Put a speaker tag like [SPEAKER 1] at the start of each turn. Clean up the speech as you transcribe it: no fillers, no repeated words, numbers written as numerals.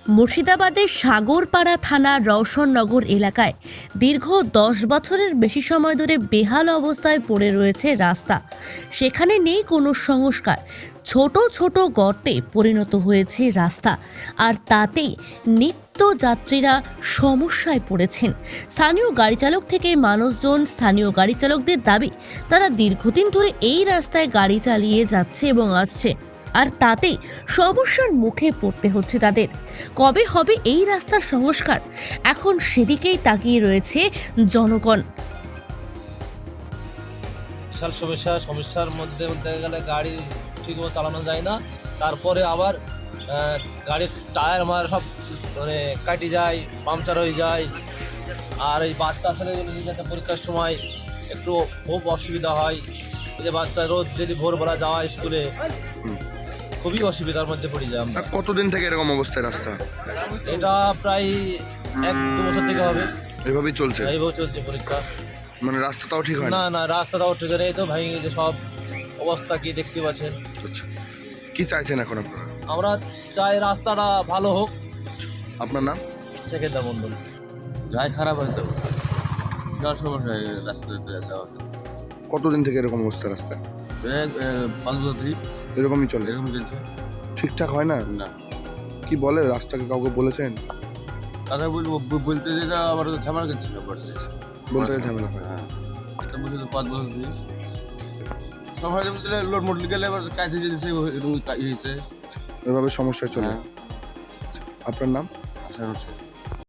[SPEAKER 1] মুর্শিদাবাদের সাগরপাড়া থানার রওশননগর এলাকায় দীর্ঘ 10 বছরের বেশি সময় ধরে বেহাল অবস্থায় পড়ে রয়েছে রাস্তা। সেখানে নেই কোনো সংস্কার, ছোট ছোট গর্তে পরিণত হয়েছে রাস্তা, আর তাতেই নিত্য যাত্রীরা সমস্যায় পড়েছেন। স্থানীয় গাড়ি চালক থেকে মানুষজন, স্থানীয় গাড়ি চালকদের দাবি তারা দীর্ঘদিন ধরে এই রাস্তায় গাড়ি চালিয়ে যাচ্ছে এবং আসছে, আর তাতেই সমস্যার মুখে পড়তে হচ্ছে তাদের। কবে হবে এই রাস্তার সংস্কার, এখন সেদিকেই তাকিয়ে রয়েছে জনগণ।
[SPEAKER 2] বিশাল সমস্যার মধ্যে বলতে গেলে গাড়ি ঠিকমতো চালানো যায় না। তারপরে আবার গাড়ির টায়ার সব মানে কাটি যায়, পাংচার হয়ে যায়। আর এই বাচ্চা ছেলেগুলো যাতে পরীক্ষার সময় একটু খুব অসুবিধা হয়। এই যে বাচ্চা রোজ যদি ভোরবেলা যাওয়া স্কুলে, খুবই অসুবিধার মধ্যে পড়ে যায় আমরা।
[SPEAKER 3] কতদিন থেকে এরকম অবস্থায় রাস্তা?
[SPEAKER 2] এটা প্রায় 1-2 বছর থেকে হবে,
[SPEAKER 3] এভাবেই চলছে।
[SPEAKER 2] এইভাবে চলছে পরীক্ষা।
[SPEAKER 3] মানে রাস্তাটাও ঠিক হয় না?
[SPEAKER 2] না, রাস্তাটাও ঠিক নেই, তো ভেঙে গেছে সব। অবস্থা কি দেখতে পাচ্ছেন।
[SPEAKER 3] আচ্ছা, কি চাইছেন এখন আপনারা?
[SPEAKER 2] আমরা চাই রাস্তাটা ভালো হোক।
[SPEAKER 3] আপনার নাম?
[SPEAKER 2] সেকেন্দার মন্ডল।
[SPEAKER 4] যাই খারাপ হয়তো বিশাল সমস্যা হয়ে গেছে রাস্তাতে যাওয়া।
[SPEAKER 3] কতদিন থেকে এরকম অবস্থা রাস্তায়?
[SPEAKER 4] 5 বছর ধরে
[SPEAKER 3] এরকমই চলে?
[SPEAKER 4] এরকম চলছে
[SPEAKER 3] ঠিকঠাক হয় না?
[SPEAKER 4] না।
[SPEAKER 3] কি বলে রাস্তাকে, কাউকে বলেছেন?
[SPEAKER 4] কথা বলতে যেটা আমার তো ঝামেলা করছিল পড়ছে।
[SPEAKER 3] বলতে গেলে ঝামেলা হয়।
[SPEAKER 4] হ্যাঁ, একটা বছর 5 বছর ধরে সব হয়তো বলতে লোড মোট গেলে এবার কাছে যেতেছে এরকম হয়েছে।
[SPEAKER 3] এভাবে সমস্যায় চলে।
[SPEAKER 4] হ্যাঁ,
[SPEAKER 3] আপনার নাম?
[SPEAKER 4] আশা করছি।